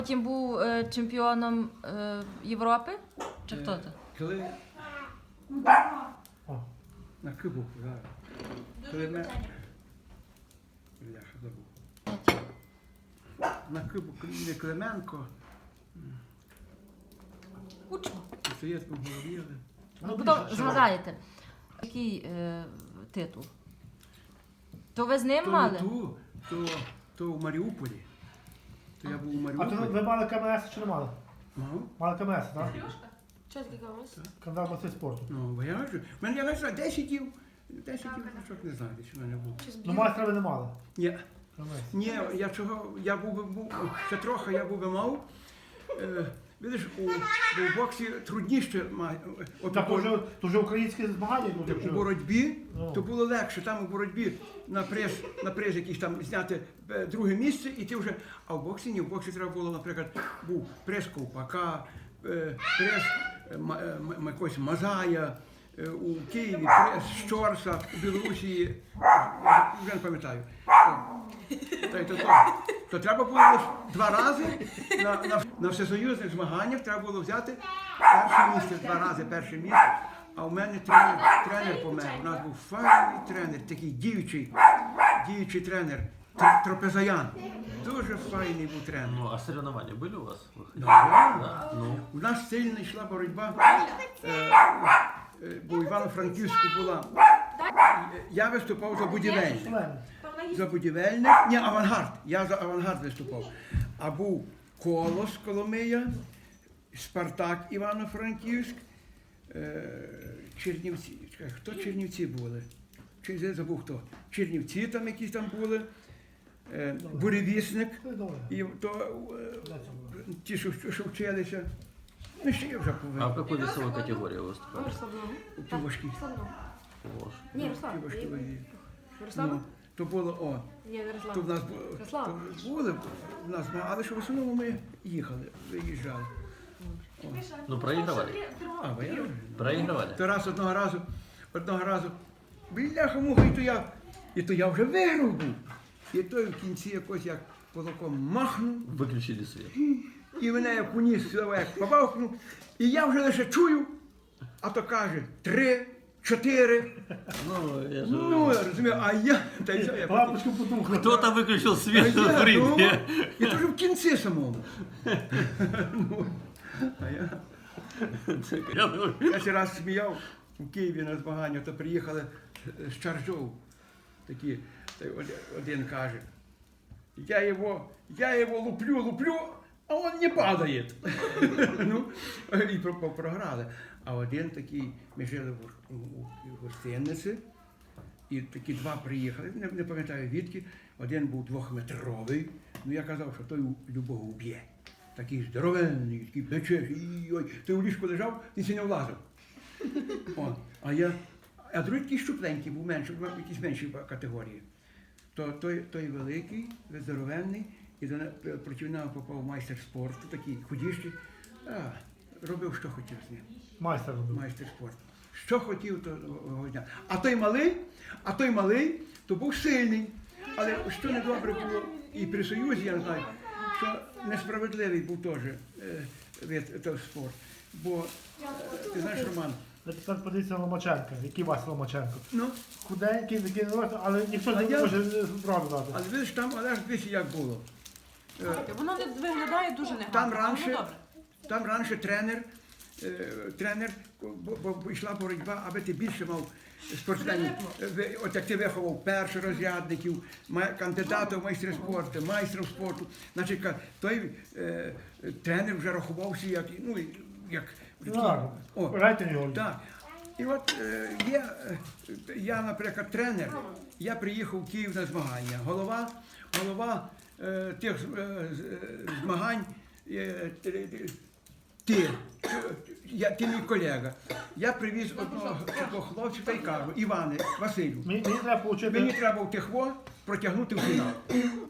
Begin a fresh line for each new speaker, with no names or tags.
Потім був чемпіоном Європи? Чи хто це?
Коли на Кубок, зараз. Коли ми... Бляха, забув. На Кубок не Клименко,
Кучма.
Соєтку говорили.
Ну, потім згадаєте, який титул? То ви з ним мали?
То в Маріуполі. То я був у
А то
Маріуполі.
ви мали КМС чи не мали?
Мав?
Мали КМС, так?
Що таке комусь?
Кандидат в майстер спорту.
Ну, бо я кажу, в мене, я не знаю, 10 дів, що не знаю, що в мене було.
Ну майстра ви не мали.
Ні,
КМС.
ні, я чого, я був, ще трохи я би мав. Видиш, у боксі трудніше
Так, то вже українські змагання йдуть.
у боротьбі,
Ну.
то було легше. Там у боротьбі на прес якийсь там зняти друге місце, і ти вже. А в боксі ні, в боксі треба було, наприклад, був прес Ковпака, прес якогось Мазая, у Києві прес Щорса, у Білорусі, вже не пам'ятаю. То треба було лише 2 рази на всесоюзних змаганнях треба було взяти перше місце, 2 рази перше місце. А у мене тренер помер. У нас був файний тренер, такий діючий тренер, Тропезаян. Дуже файний був тренер.
Ну, а соревнования были у вас?
Да.
Ну,
У нас сильно йшла боротьба, бо в Івано-Франківську була. Я виступав за будівельник. За будівельник, ні, авангард. Я за авангард виступав. А був Колос Коломия, Спартак Івано-Франківськ, Чернівці. Чекай, хто Чернівці були? Я забув хто. Чернівці там якісь там були, Буревісник, і то ті, що вчилися. Ну, ще я вже
а в
повинен.
какой весовой категории вы выступали?
Ті важкі.
Ложь.
Ні, Руслан.
Ті важкі ваги.
Руслан?
Ну, то було,
Ні, не
то в
Руслан.
нас
Руслан.
то були в нас, але що в основному ми їхали, виїжджали.
Ну, проигрывали.
А, бо я
Проигрывали.
то раз одного разу, бляха-муха, і то я вже виграв був. І той в кінці якось як кулаком махнув,
Выключили свет.
і мене як уніс, як побавкнув, і я вже лише чую, а то каже 3, 4.
Ну, я же...
Ну, я розумію, а я, та й що я потім.
Лампочку потухла.
Кто-то выключил свет
А
в
я
ринге.
думав, і то вже в кінці самому. Ну, а я ще раз сміяв у Києві на змагання, то приїхали з Чаржов. Такі, та один каже, я його луплю, а він не падає. Ну, і програли. А один такий, ми жили в гостиниці, і такі 2 приїхали, не пам'ятаю відки, один був 2-метровий, ну я казав, що той любого вб'є. Такий здоровенний, такий плече, той у ліжку лежав, він ще не влазив. А другий такий щупленький був менший, якісь менші категорії. Той великий, здоровенний, і проти нього попав майстер спорту, такий худіший, робив, що хотів з ним.
Майстер робив.
Майстер спорту. Що хотів, того дня. А той малий, то був сильний. Але що недобре було і при Союзі, я не знаю, що несправедливий був теж вид того спорт. Бо, ти знаєш, Роман,
Ви тепер подивіться на Ломаченка. Який Вася Ломаченко?
ну,
Худенький, такий, але ніхто не може зробити дати.
але видиш, там, але ж дивись, як було.
Воно виглядає дуже негарно.
Там раніше тренер, бо йшла боротьба, аби ти більше мав спортсменів. От як ти виховав першорозрядників, кандидатів в майстри спорту, майстрів спорту. Значить, той тренер вже рахувався як
Рейтинг.
так. І от я, наприклад, тренер, я приїхав в Київ на змагання. Голова тих змагань, ти мій колега. Я привіз одного хлопця та й кажу, Іване, Василю,
Мені треба
мені
отримати.
треба в тихво протягнути в фінал.